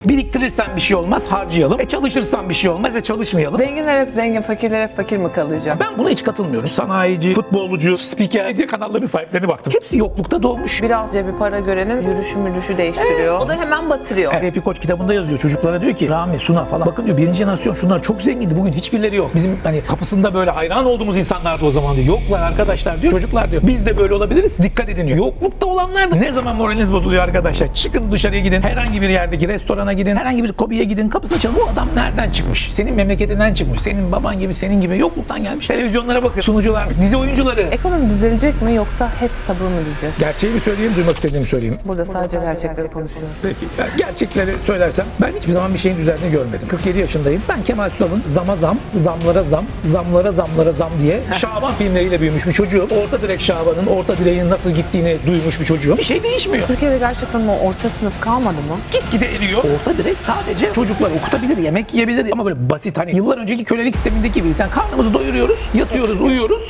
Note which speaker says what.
Speaker 1: Biriktirirsen bir şey olmaz, harcayalım. Çalışırsan bir şey olmaz, çalışmayalım.
Speaker 2: Zenginler hep zengin, fakirler hep fakir mi kalacak?
Speaker 1: Ben buna hiç katılmıyorum. Sanayici, futbolcu, spiker, medya kanallarının sahiplerine baktım. Hepsi yoklukta doğmuş.
Speaker 2: Biraz cebi para görenin yürüyüşü değiştiriyor. O da hemen batırıyor.
Speaker 1: Epi Koç kitabında yazıyor. Çocuklara diyor ki Rami, Suna falan. Bakın diyor, birinci jenerasyon şunlar çok zengindi. Bugün hiçbirleri yok. Bizim hani kapısında böyle hayran olduğumuz insanlar da o zaman diyor. Yoklar arkadaşlar diyor. Çocuklar diyor. Biz de böyle olabiliriz. Dikkat edin diyor. Yoklukta olanlar da ne zaman moraliniz bozuluyor arkadaşlar? Çıkın dışarıya gidin. Herhangi bir yerdeki restorana gidin. Herhangi bir kobiye gidin. Kapısını çalın. Bu adam nereden çıkmış? Senin memleketinden çıkmış. Senin baban gibi, senin gibi yokluktan gelmiş. Televizyonlara bakın. Sunucular, dizi oyuncuları.
Speaker 2: Ekonomi düzelecek mi yoksa hep sabır mı diyeceğiz?
Speaker 1: Gerçeği mi söyleyeyim, duymak istediğimi söyleyeyim.
Speaker 2: Burada sadece gerçekleri konuşuyoruz.
Speaker 1: Peki, yani gerçekleri söylersem ben hiçbir zaman bir şeyin düzeldiğini görmedim. 47 yaşındayım. Ben Kemal Sunal'ın zama zam, zamlara zam, zamlara zamlara zam diye Şaban filmleriyle büyümüş bir çocuğum. Orta direk Şaban'ın, orta direğin nasıl gittiğini duymuş bir çocuğum. Bir şey değişmiyor.
Speaker 2: Türkiye'de gerçekten o orta sınıf kalmadı mı?
Speaker 1: Gitgide eriyor. Orta direk sadece çocuklar okutabilir, yemek yiyebilir ama böyle basit, hani yıllar önceki kölelik sistemindeki gibi. Sen karnımızı doyuruyoruz, yatıyoruz, uyuyoruz.